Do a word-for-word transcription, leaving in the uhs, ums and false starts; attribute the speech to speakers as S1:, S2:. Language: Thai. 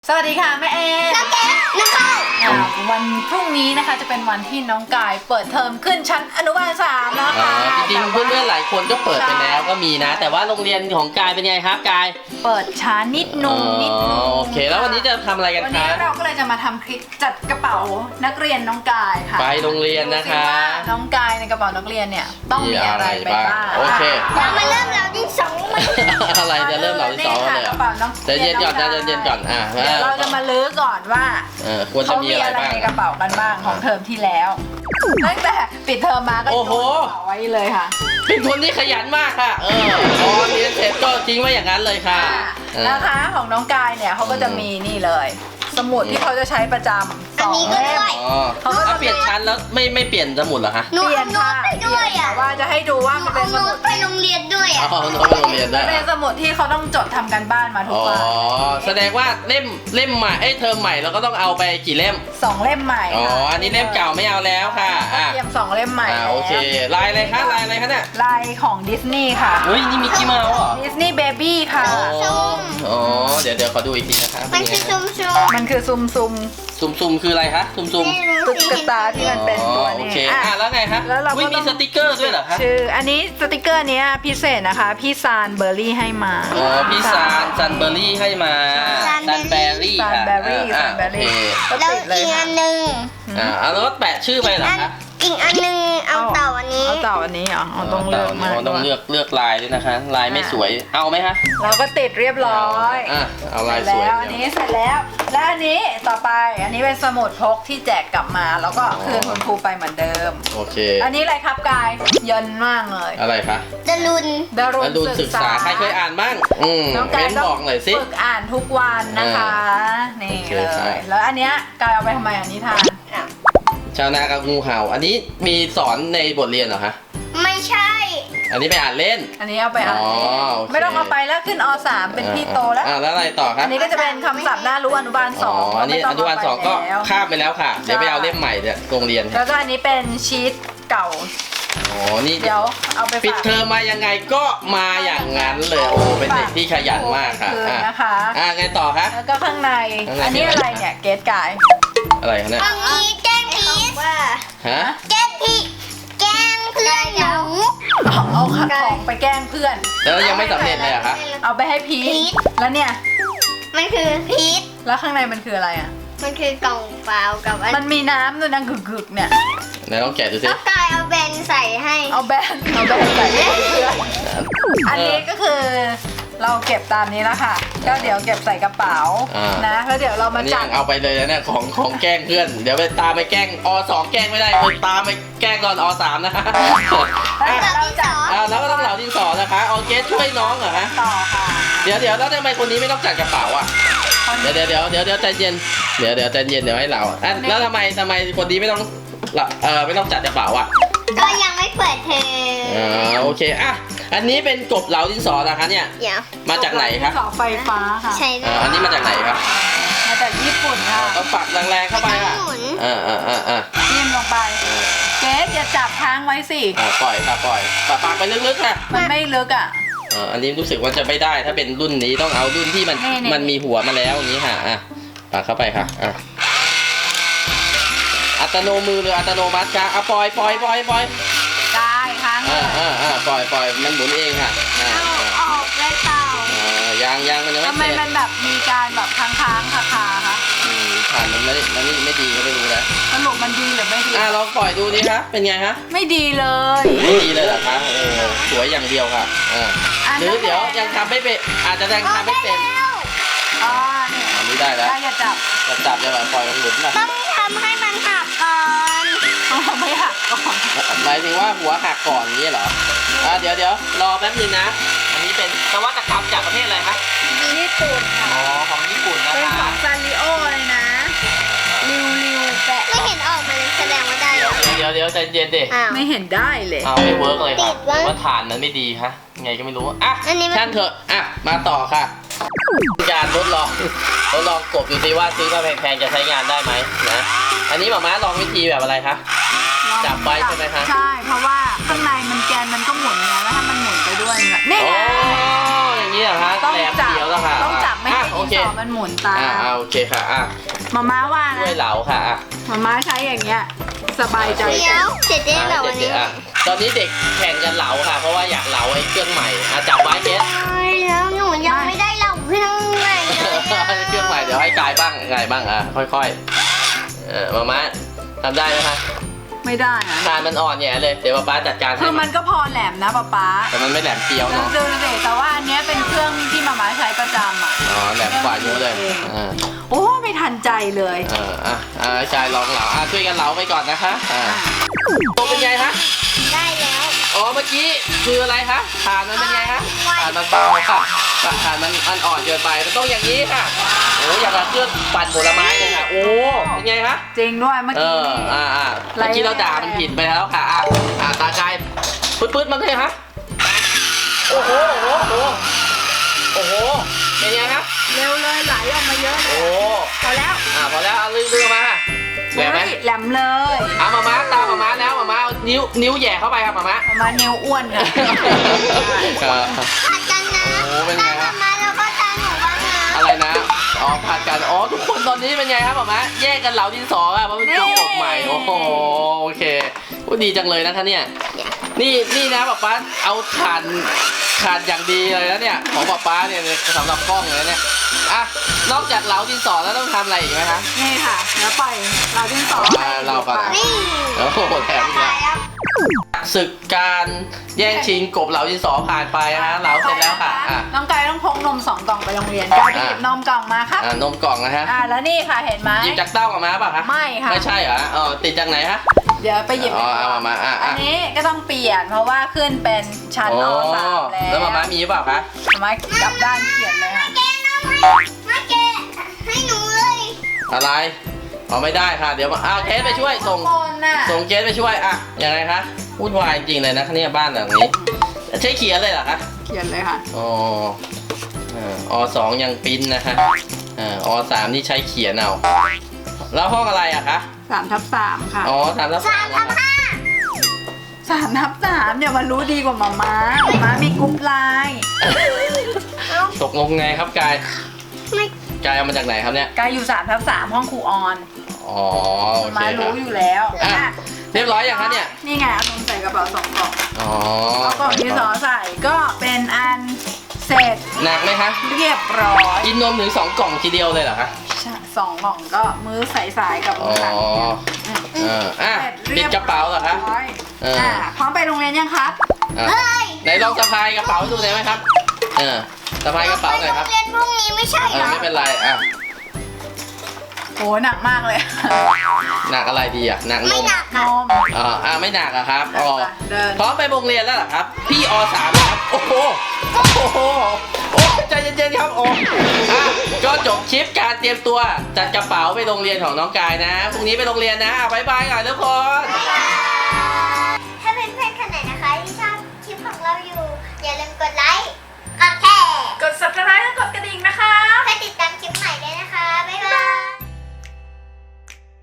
S1: สวัสดีค่ะแม่เอน้องเกดน้องเข้าวันพรุ่งนี้นะคะจะเป็นวันที่น้องกายเปิดเทอมขึ้นชั้นอนุบาลสามแล้วค่ะ
S2: จริงๆเพื่อนๆหลายคนก็เปิดไปแล้วก็มีนะแต่ว่าโรงเรียนของกายเป็นไงครับกาย
S1: เปิดช้านิดนึงนิดนึง
S2: โอเคแล้ววันนี้จะทำอะไรกันคะ
S1: วันนี้เราก็เลยจะมาทำคลิปจัดกระเป๋านักเรียนน้องกายค่ะ
S2: ไปโรงเรียนนะคะ
S1: น้องกายในกระเป๋านักเรียนเนี่ยต้องมีอะไรไปบ้าง
S2: โอเค
S1: เรามาเริ่มเราที่สอง
S2: อะไรจะเริ่มเราที่สองเลยจะเย็นก่อนจะเย็นก่อนอ่ะ
S1: เราจะมาลื้อก่อนว่า
S2: เขามีอะไร
S1: ในกระเป๋ากันบ้างของเทอมที่แล้วตั้งแต่ปิดเทอมมาก็โยนกระเป๋าไว้เลยค่ะ
S2: เป็นคนที่ขยันมากค่ะเออพอเรียนเสร็จก็ทิ้งไว้อย่างนั้นเลยค่ะ
S1: นะคะของน้องกายเนี่ยเขาก็จะมีนี่เลยสมุดที่เขาจะใช้ประจำสองเล่ม
S2: เขาก็เปลี่ยนชั้นแล้วไม่ไม่เปลี่ยนสมุดเหรอคะ
S1: เปลี่ยนค่ะไปด้วยอ่ะว่าจะให้ดูว่ามันเป็นสมุด
S3: ไปโรงเรียนด้วยอ่ะ
S2: อ๋อโรงเรียนด้วย
S1: เป็นสมุดที่เขาต้องจดทำกันบ้านมาทุกวัน
S2: อ๋อแสดงว่าเล่มเล่มใหม่ไอ้เทอมใหม่เราก็ต้องเอาไปกี่เล่ม
S1: สองเล่มใหม่
S2: อ๋ออันนี้เล่มเก่าไม่เอาแล้วค่ะ
S1: อ่ะเตรียมสองเล่มใหม่
S2: อ่าโอเคลายอะไรคะลายอะไรคะเนี่ย
S1: ลายของดิสนีย์ค่ะ
S2: เฮ้ยนี่มิกกี้เมาส์เหรอ
S1: ดิสนีย์เบบี้ค่ะ
S2: อ๋อเดี๋ยวเดี๋ยวขอดูอีกทีนะคะ
S3: มันคือซุ่มซุ่ม
S1: มันคือซุ่มซุ่ม
S2: ซุ่มซุ่มคืออะไรคะซุ่มซุ่ม
S1: ตุ๊กตาที่มันเป็นตัวนี้
S2: โอเคอ่ะแล้วไงคะแล้วเราก็มีสติกเกอร์ด้วยเหรอคะ
S1: ชื่ออันนี้สติกเกอร์นี้พิเศษนะคะพี่ซานเบอร์รี่ให้มา
S2: อ๋อพี่ซานซันเบอร์รี่ให้มาซันเบอร์รี่
S1: ซันเบอร์รี่ซันเบอร์รี่
S3: แล้วอีกอันหนึ่ง
S2: อ่าแล้วก็แปะชื่อไปเหรอคะ
S3: อีกอันหนึ่งเอาเต่าอันนี้
S1: เอาเต่าอันนี้เหรอเอาต้องเลือกมา
S2: ต้องเลือกเลือกลายด้วยนะคะลายไม่สวยเอาไหมคะ
S1: เราก็ติดเรียบร้อย
S2: อ่ะเอาลายสวย
S1: แล้วอันนี้เสร็จแล้วและอันนี้ต่อไปอันนี้เป็นสมุดพกที่แจกกลับมาแล้วก็คืนคุณครูไปเหมือนเดิม
S2: โอเค
S1: อันนี้อะไรครับกายเยินมากเลย
S2: อะไรคะ
S3: ดารุน
S1: ดารุน
S2: ศึกษาใครเคยอ่านบ้างอืมเม้นบอกหน่อยสิ
S1: ฝึกอ่านทุกวันนะคะนี่เลยแล้วอันเนี้ยกายเอาไปทำไมอันนี้ทาน
S2: ชาวนากับงูเห่าอันนี้มีสอนในบทเรียนเหรอคะ
S3: ไม่ใช่
S2: อันนี้ไปอ่านเล่น
S1: อันนี้เอาไปอ่านเล่นไม่ต้องเอาไปแล้วขึ้นอ.สาม เป็นพี่โตแล้ว
S2: อ่าแล้วอะไรต่อครับ
S1: อันนี้ก็จะเป็นคำศัพท์น่ารู้อนุบาลสอง
S2: อันนี้อนุบาลสองก็ข้ามไปแล้วค่ะเดี๋ยวไปเอาเล่มใหม่เนี่ยโรงเรียน
S1: แล้วก็อันนี้เป็นชีตเก่า
S2: อ๋อนี่
S1: เดี๋ยวเอาไป
S2: ปิดเทอมมายังไงก็มาอย่างนั้นเลยโอ้เป็นเด็กที่ขยันมากค่ะ
S1: นะคะ
S2: อ่าไงต่อคะ
S1: แล้วก็ข้างในอันนี้อะไรเนี่ยเกสกาย
S2: อะไรคะเนี่ย
S3: อันนี้แก้มพีช
S2: ฮะ
S3: แก้มพีชแกล้งเพื่อนหนู
S1: เอาของไปแกล้งเพื่อน
S2: แล้วยังไม่สำเร็จเลยอะคะ
S1: เอาไปให้พีชแล้วเนี่ย
S3: มันคือพีช
S1: แล้วข้างในมันคืออะไรอ่ะ
S3: มันคือกล่องเปล่ากับ
S1: มันมีน้ำด้วยนะกึกๆเนี่ย
S2: ไหนลองแกะดูสิ
S3: กายเอาแบนใส่ให้
S1: เอาแบนเอาแบนใส่ให้เพื่อนอันนี้ก็คือเราเก็บตามนี้แล้วค่ะก็เดี๋ยวเก็บใส่กระเป๋านะแล้วเดี๋ยวเรามาจัด
S2: เอาไปเลยนะเนี่ยของของแกล้งเพื่อนเดี๋ยวไปตามไปแกล้งอ.สอง แกล้งไม่ได้ไปตามไปแกล้งตอนอ.สาม นะ
S1: เราจัด
S2: แล้วก็ต้องเหล่าดินสอนะคะเอาเกสช่วยน้องเหรอฮะ
S1: ต่อค่ะ
S2: เดี๋ยวเดี๋ยวแล้วทำไมคนนี้ไม่ต้องจัดกระเป๋าอ่ะเดี๋ยวเดี๋ยวเดี๋ยวเดี๋ยวเดี๋ยวใจเย็นเดี๋ยวเดี๋ยวใจเย็นเดี๋ยวให้เราแล้วทำไมทำไมคนนี้ไม่ต้องเออไม่ต้องจัดกระเป๋าอ่ะ
S3: ก็ยังไม่เปิดเทอม
S2: อ่าโอเคอ่ะอันนี้เป็นกบเหลาดินสอนะคะเนี่ยมาจากไหนครับ
S1: เสาไฟฟ้าค่ะ
S3: ใช่
S2: อันนี้มาจากไหนครับ
S1: มาจากญี่ปุ่นค่ะ
S2: ต้องปักแรงๆเข้าไปค่ะอ่าอ่าอ่าอ่า
S1: จิ้มลงไปเกสอย่าจับค้างไว้สิ
S2: ปล่อยค่ะปล่อยปักปักไปลึกๆค่ะ
S1: มันไม่ลึกอ่ะ
S2: อันนี้รู้สึกว่าจะไม่ได้ถ้าเป็นรุ่นนี้ต้องเอารุ่นที่มันมันมีหัวมาแล้วอย่างนี้ค่ะอ่ะปักเข้าไปค่ะอ่ะอัตโนมือหรืออัตโนมัติคะอ่ะปล่อยปล่อยปล่อยปล่อย
S1: ได้ค้าง
S2: อ่าอ่าอ่าปล่อยปล่อยมันหมุนเองค่ะ
S3: อ่าออกได้เปล่า
S2: อ่ายางยางมันยังไม่
S1: ทำไมมันแบบมีการแบบค้างค้างคาคาคะ
S2: อืมผ่านมันไม่มันไม่ไม่ดีก็ไม่รู้นะ
S1: สรุปมันดีหรือไม่ดี
S2: อ่าลองปล่อยดูดิคะเป็นไงฮะ
S1: ไม่ดีเลย
S2: ไม่ดีเลยเหรอคะเออสวยอย่างเดียวค่ะอ่าหรือเดี๋ยวยังทำไม่เป็นอาจจะยังทำไม่เป็น
S1: อ๋อเนี่ย
S2: อันนี้ได้แล้ว
S1: อย่าจับ
S2: อย่าจับอย่าปล่อยมันหมุนนะ
S3: ต้องทำให้มันหักก่อน
S1: ไม่หักก่อน
S2: หมายถึงว่าหัวหักก่อนนี้เหรออ่าเดี๋ยวเดี๋ยวรอแป๊บนึงนะอันนี้เป็นนวัตกรรมจากประเทศอะไรคะ
S1: ญี่ปุ่นค่ะ
S2: อ๋อของญี่ปุ่นนะคะ
S1: เป็นของซาริโอเลยนะริวริวแปะ
S3: ไม่เห็นออกมาเลยแสดงว่าได้
S2: เดี๋ยวเดี๋ยวเดี๋ยวใจเย็นดิ
S1: ไม่เห็นได้เลย
S2: อ้าวไม่เวิร์กเลยครับว่าฐานมันไม่ดีฮะไงก็ไม่รู้อ่ะช่างเถอะอ่ะมาต่อค่ะการทดลองทดลองกบดูซิว่าซื้อมาแพงๆจะใช้งานได้ไหมนะอันนี้หม่าม้าลองวิธีแบบอะไรคะจับไว้ใช่ไหมคะ
S1: ใช่เพราะว่าข้างในมันแกนมันก็หมุนไงแล้วถ้ามันหมุนไปด้วยนี่ไง
S2: อย่างนี้เหรอคะแหลมเดียวแล้วค่ะ
S1: ต้องจับไม่ให้
S2: โอเค
S1: ดินสอมันหมุนตาม
S2: อ่าอ่าโอเคค่ะอ่ะ
S1: มาม่าว่า
S2: ช่วย
S1: นะ
S2: เหลาค่ะอ่ะ
S1: มาม่าใช้อย่างเงี้ยสบายใจ
S3: เดี๋ยวเสร็จได้เหรอวัน
S2: เด็
S3: นี้
S2: กๆอ่ะตอนนี้เด็กแข่งกันเหลาค่ะ เพราะว่าอยากเหลาไอ้เครื่องใหม่อ่ะจับไว้เกส
S3: แล้วหนูยังไม่ได้เหล่าเครื่องใหม่เลย
S2: เครื่องใหม่เดี๋ยวให้กายบ้างกายบ้างอ่ะค่อยๆเออมาม่าทำได้ไหมคะ
S1: ไม่ได้นะ
S2: ทานมันอ่อนแย่เลยเดี๋ยวป๊าป๊าจัดการ
S1: คื
S2: ให้
S1: อมันก็พอแหลมนะป๊าป๊า
S2: แต่มันไม่แหลมเปรี้ยว
S1: ดู
S2: เนาะ
S1: ดูเด็แต่ว่าอันเนี้ยเป็นเครื่องที่มาม่าใช้ประจำอ่ะ
S2: อ๋อแหลมกว่าเยอะเลยอ่า
S1: โอ้ไม่ทันใจเลย
S2: เอออ่ะอ่ากายลองเหลาอ่ะช่วยกันเหลาไปก่อนนะคะอ่าโตเป็นไงคะ
S3: ได้แล้ว
S2: อ๋อเมื่อกี้คืออะไรคะฐานมันเป็นไงคะฐานมันเบาค่ะฐานมันมันอ่อนเกินไปมันต้องอย่างนี้ค่ะโอ้อย่างกับเครื่องปั่นผลไม้เลยค่ะโอ้เป็นไงคะ
S1: จริงด้วยเมื่อ
S2: เอ
S1: กี้
S2: อ
S1: นี่
S2: อ่าอ่าเมื่อกี้เราด่ามันผิดไปแล้วค่ะอ่ะอ่าตากายปื๊ดปื๊ดมันเลยฮะโอ้โหโอ้โหโอ้โหเป็นไงครับ
S1: เร็วเลยไหลออกมาเยอะเล
S2: โอ้
S1: ยพอแล้ว
S2: อ่าพอแล้วเอาลืมลืมมาค่ะแหวกไหม
S1: เฮ้ยแหลมเลย
S2: เอามาม้าตามมาม้าแล้วมาม้าเอานิ้วนิ้วแหย่เข้าไปครับมาม้า
S1: มาม่านิ้วอ้วนค่ะ
S2: เออ
S3: ผัดกันนะ
S2: โอ้เป็นไง
S3: ตา
S2: ฮะ
S3: มาแล้วก็ตาหนูบ้างนะ
S2: อะไรนะ อ๋อผัดกัน อ๋อ ทุกคนตอนนี้เป็นไงครับหมอมะแยกกันเหลาดินสออะเพราะเป็นจบกบใหม่ โอ้โห โอเคพูดดีจังเลยนะคะเนี่ย นี่นี่นะป๊าป๊าเอาถ่านถ่านอย่างดีเลยนะเนี่ย ของป๊าป๊าเนี่ยสำหรับกล้องเลยนะเนี่ย อ่ะ นอกจากเหลาดินสอแล้วต้องทำอะไรอีกไหมคะ
S1: นี่ค่ะแล้วปล่อยเราดินสอ
S2: อ่าเราก่อน
S3: นี่
S2: โอ้โหแถมอีกแล้ว
S3: แล้ว
S2: ศึกการแย่งชิงกบเหลาดินสอผ่านไปนะฮะเหลาเสร็จแล้วค่ะอ่ะ
S1: น้องกายต้องพกนมสองกล่องไปโรงเรียนกายไปหยิบนมกล่องมาครับ
S2: อ่านมกล่องนะฮะ
S1: อ่าแล้วนี่ค่ะเห็นไหม
S2: หยิบจากเต้าออกมาป่ะคะ
S1: ไม่ค่ะ
S2: ไม่ใช่เหรออ๋อติดจากไหนฮะ
S1: เดี๋ยวไปหยิบ
S2: อ๋อเอามามาอ่ะ
S1: อั
S2: อ่ะ
S1: นนี้ก็ต้องเปลี่ยนเพราะว่าขึ้นเป็นชั้น
S2: โอ้
S1: อสามแล้ว
S2: แล้วมาม่ามีหรือเปล่าคะ
S1: มามากลับด้านเขียนเลยค่ะ
S3: แกนมให้มาแกะให้หนูเลย
S2: อะไรอ๋อไม่ได้ค่ะ เดี๋ยวมาอ้าวเคสไปช่วยส่ง
S1: ทุกคนน่ะ
S2: ส่งเคสไปช่วยอ่ะยังไงคะวุ่นวายจริงเลยนะคะเนี่ยบ้านหลังนี้ใช้เขียนเลยเหรอคะ
S1: เขียนเลยค่ะ
S2: อ๋อเอ่ออสองยังปริ้นนะฮะเอ่ออสามนี่ใช้เขียนเอาแล้วห้องอะไรอะคะ
S1: สามทับสามค่ะ
S2: อ๋อสามทับ
S3: สา
S2: สาม ม
S3: ทับห้า
S1: สามทับสามเนี่ยมันรู้ดีกว่าหมาม้าหมาม้ามีกรุ๊ปไลน์
S2: ตกลงไงครับกาย
S3: ไม่
S2: กายเอามาจากไหนครับเนี่ย
S1: กายอยู่สามทับสามห้องครูออน
S2: อ๋อโอ
S1: หมา
S2: เค
S1: ม้า
S2: ครั
S1: รู้
S2: บ
S1: อยู่แล้ว
S2: อ่ะ
S1: อ่ะ
S2: เรียบร้อยอย่างคะเนี่ย
S1: นี่ไงเอานมใส่กระเป๋าสองกล่อง
S2: อ๋อ
S1: เอากล่องที่สอใส่ก็เป็นอันเสร็จ
S2: หนักไหมคะ
S1: เรียบร้อย
S2: กินนมถึงสองกล่องทีเดียวเลยเหรอคะ
S1: ใช่สองกล่องก็มื้อใสๆกับ
S2: อ๋
S1: มื้
S2: อ
S1: อหลังเนี่ย
S2: เอออ่ะ
S1: เสร็จ
S2: ปิ
S1: เรี
S2: ด
S1: ยบ
S2: กระเป๋าเหรอคะ
S1: ร้อย
S2: เอออ่
S1: อ่ะพร้อมไปโรงเรียนยังครับ
S2: อ่ะ
S3: เฮ้ย
S2: ไหนลองสะพายกระเป๋าดูได้ไหมครับ เออสะพายกระเป๋าหน่อยครับ
S3: ไปโรงเรียนพรุ่งนี้ไม่ใช่
S2: เอ
S3: เหร
S2: อ
S3: อ
S2: ไม่เป็นไรอ่ะ
S1: โหหนักมากเลย
S2: หนักอะไรดีอ่ะหนักน
S3: ไม่
S2: ม
S3: หนัก
S1: น
S3: ค่ะ
S1: ม
S2: อ่าอ่าไม่หนักอะครับอ๋อ
S1: เดิน
S2: พร้อมไปโรงเรียนแล้วเหรอครับ พี่อสามครับโอ้โหโอ้โหโอ้ใจเย็นๆครับโอ้อ่ะก็จบคลิปการเตรียมตัวจัดกระเป๋าไปโรงเรียนของน้องกายนะพรุ่งนี้ไปโรงเรียนนะอ่ะบ๊ายบายก่อนทุกคน
S3: บ๊ายบาย